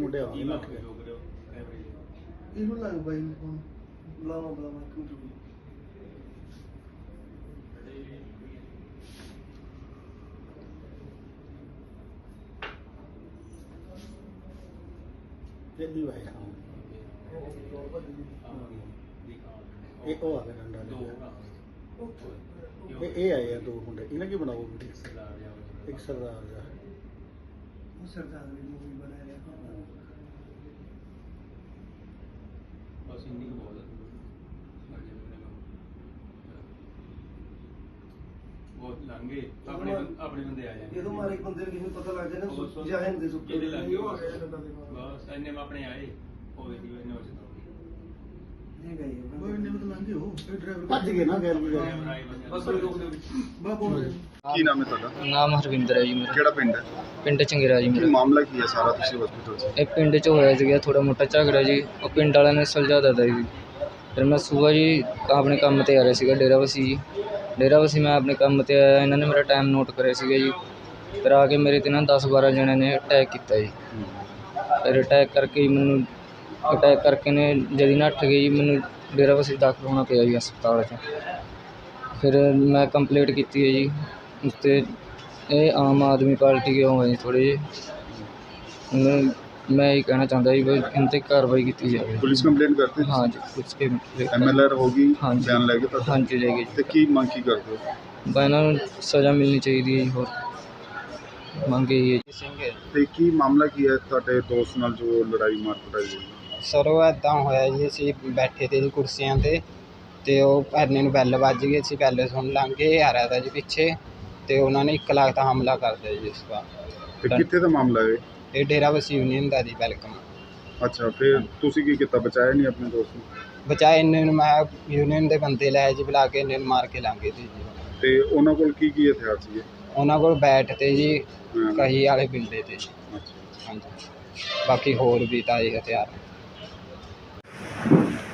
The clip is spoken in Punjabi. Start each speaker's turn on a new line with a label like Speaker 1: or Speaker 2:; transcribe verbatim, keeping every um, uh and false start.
Speaker 1: ਮੁੰਡੇ ਆਉਂਦੇ ਨੱਠ ਗਏ।
Speaker 2: ਇਹਨੂੰ ਲੱਗ ਬਾਈ ਨੂੰ ਫੋਨ ਬੁਲਾਵਾ ਬੁਲਾਵਾ ਕਿਉਂ ਜੂ
Speaker 1: ਜਲਦੀ ਭਾਈ ਹਾਂ ਇਹ ਉਹ ਆ ਗਿਆ ਡੰਡਾ ਲੈ ਇਹ ਇਹ ਆਏ ਆ ਦੋ ਮੁੰਡੇ ਇਹਨਾਂ ਕੀ ਬਣਾਓ ਵੀਡੀਓ ਇੱਕ ਸਰਦਾਰ ਦਾ
Speaker 2: ਉਹ ਸਰਦਾਰ ਦੀ ਮੂਵੀ ਬਣਾ ਰਿਹਾ
Speaker 3: ਬਸ ਇੰਨੀ ਕੁ ਬਹੁਤ ਬਹੁਤ ਲੰਘੇ ਆਪਣੇ ਆਪਣੇ ਬੰਦੇ ਆ ਜਾਂਦੇ
Speaker 2: ਜਦੋਂ ਮਾਰੇ ਬੰਦੇ ਨੂੰ ਕਿਵੇਂ ਪਤਾ ਲੱਗ ਜਾਣਾ ਜਹਨ ਦੇ ਸੁੱਕੇ
Speaker 3: ਇਹਦੇ ਲੱਗੇ
Speaker 2: ਉਹ ਆ ਗਿਆ ਡੰਡਾ ਦੇ ਨਾਲ
Speaker 3: ਬਸ ਇੰਨੇ ਮੈਂ ਆਪਣੇ ਆਏ ਉਹ ਦੇਖੀ ਇਹਨੇ ਉਹ ਚਤਾ
Speaker 2: ਨਹੀਂ ਗਈ
Speaker 1: ਉਹ ਇੰਨੇ ਮਤ ਲੰਘੇ ਹੋ ਇਹ ਡਰਾਈਵਰ ਭੱਜ ਗਏ ਨਾ ਗੈਰ ਬਜਾ
Speaker 3: ਬਸ ਰੋਕ ਦੇ
Speaker 2: ਬਾ ਬੋਲ
Speaker 4: ਕੀ ਨਾਮ ਹੈ ਤੁਹਾਡਾ?
Speaker 5: ਨਾਮ ਹਰਵਿੰਦਰ ਹੈ ਜੀ ਮੇਰਾ।
Speaker 4: ਕਿਹੜਾ ਪਿੰਡ ਹੈ?
Speaker 5: ਪਿੰਡ ਚੰਗੇਰਾ ਜੀ
Speaker 4: ਕੀ
Speaker 5: ਮੇਰਾ।
Speaker 4: ਮਾਮਲਾ ਕੀ ਹੈ ਸਾਰਾ ਤੁਸੀਂ ਹਸਪੀਟਲ 'ਚ?
Speaker 5: ਇਹ ਪਿੰਡ 'ਚ ਹੋਇਆ ਸੀਗਾ ਥੋੜਾ ਮੋਟਾ ਝਗੜਾ ਜੀ। ਉਹ ਪਿੰਡ ਵਾਲਿਆਂ ਨੇ ਸੁਲਝਾ ਦਿੱਤਾ ਜੀ। ਫਿਰ ਮੈਂ ਸੁਬਾਹ ਜੀ ਆਪਣੇ ਕੰਮ 'ਤੇ ਆ ਰਿਹਾ ਸੀਗਾ ਡੇਰਾਬੱਸੀ ਜੀ। ਡੇਰਾਬੱਸੀ ਮੈਂ ਆਪਣੇ ਕੰਮ 'ਤੇ ਆਇਆ, ਇਹਨਾਂ ਨੇ ਮੇਰਾ ਟਾਈਮ ਨੋਟ ਕਰਿਆ ਸੀਗਾ ਜੀ। ਫਿਰ ਆ ਕੇ ਮੇਰੇ 'ਤੇ ਨਾ ਦਸ ਬਾਰਾਂ ਜਣਿਆਂ ਨੇ ਅਟੈਕ ਕੀਤਾ ਜੀ। ਫਿਰ ਅਟੈਕ ਕਰਕੇ ਜੀ ਮੈਨੂੰ ਅਟੈਕ ਕਰਕੇ ਨੇ ਜਦੀ ਨੱਠ ਗਏ ਜੀ। ਮੈਨੂੰ ਡੇਰਾਬੱਸੀ ਦਾਖਲ ਹੋਣਾ ਪਿਆ ਜੀ ਹਸਪਤਾਲ 'ਚ। ਫਿਰ ਮੈਂ ਕੰਪਲੇਂਟ ਕੀਤੀ ਹੈ ਜੀ ਉਸ 'ਤੇ। ਇਹ ਆਮ ਆਦਮੀ ਪਾਰਟੀ ਕੇ ਹੋਏ ਥੋੜ੍ਹੇ ਜਿਹੇ। ਹੁਣ ਮੈਂ ਇਹ ਕਹਿਣਾ ਚਾਹੁੰਦਾ ਜੀ ਵੀ ਇਹਨਾਂ 'ਤੇ ਕਾਰਵਾਈ ਕੀਤੀ ਜਾਵੇ।
Speaker 4: ਪੁਲਿਸ ਕੰਪਲੇਂਟ ਕਰਤੀ?
Speaker 5: ਹਾਂ ਜੀ ਪੁਲਿਸ ਕੇ
Speaker 4: ਐਮ ਐਲ ਆਰ ਹੋ ਗਈ?
Speaker 5: ਹਾਂਜੀ।
Speaker 4: ਬਿਆਨ ਲੈ ਕੇ ਤਾਂ
Speaker 5: ਹਾਂਜੀ ਲੈ ਗਏ
Speaker 4: ਤੇ ਕੀ ਮੰਗ ਕੀ ਕਰਦੇ ਹੋ?
Speaker 5: ਬਸ ਇਹਨਾਂ ਨੂੰ ਸਜ਼ਾ ਮਿਲਣੀ ਚਾਹੀਦੀ ਹੈ ਜੀ। ਹੋਰ ਮੰਗ ਇਹੀ ਹੈ ਜੀ। ਸਿੰਘ
Speaker 4: ਤੇ ਕੀ ਮਾਮਲਾ ਕੀ ਹੈ ਤੁਹਾਡੇ ਦੋਸਤ ਨਾਲ ਜੋ ਲੜਾਈ ਮਾਰ ਕੁਟਾਈ ਹੋਈ?
Speaker 6: ਸਰ ਉਹ ਇੱਦਾਂ ਹੋਇਆ ਜੀ, ਅਸੀਂ ਬੈਠੇ ਤੇ ਜੀ ਕੁਰਸੀਆਂ 'ਤੇ ਅਤੇ ਉਹ ਐਨੇ ਨੂੰ ਬੈਲ ਵੱਜ ਗਈ। ਅਸੀਂ ਬੈਲ ਸੁਣ ਲਾਂਗੇ ਆ ਰਿਹਾ ਤਾ ਜੀ ਪਿੱਛੇ, ਅਤੇ ਉਹਨਾਂ ਨੇ ਇੱਕ ਲੱਖ ਦਾ ਹਮਲਾ ਕਰ ਦਿਆ ਜੀ ਇਸ ਵਾਰ।
Speaker 4: ਤੇ ਕਿੱਥੇ ਦਾ ਮਾਮਲਾ ਹੈ?
Speaker 6: ਇਹ ਡੇਰਾਬੱਸੀ ਯੂਨੀਅਨ ਦਾ ਜੀ ਵੈਲਕਮ।
Speaker 4: ਅੱਛਾ, ਫਿਰ ਤੁਸੀਂ ਕੀ ਕੀਤਾ? ਬਚਾਇਆ ਨਹੀਂ ਆਪਣੇ ਦੋਸਤ ਨੂੰ?
Speaker 6: ਬਚਾਏ ਇੰਨੇ ਨੂੰ ਮੈਂ ਯੂਨੀਅਨ ਦੇ ਬੰਦੇ ਲਾਏ ਜੀ ਬੁਲਾ ਕੇ, ਇੰਨੇ ਨੂੰ ਮਾਰ ਕੇ ਲਾਂਗੇ ਜੀ।
Speaker 4: ਤੇ ਉਹਨਾਂ ਕੋਲ ਕੀ ਕੀ ਹਥਿਆਰ ਸੀਗੇ?
Speaker 6: ਉਹਨਾਂ ਕੋਲ ਬੈਟ ਤੇ ਜੀ
Speaker 4: ਹਾਂ।
Speaker 6: ਕਹੀ ਵਾਲੇ ਬਿੰਦੇ ਤੇ ਜੀ।
Speaker 4: ਅੱਛਾ।
Speaker 6: ਹਾਂਜੀ, ਬਾਕੀ ਹੋਰ ਵੀ ਤਾਂ ਜੀ ਹਥਿਆਰ।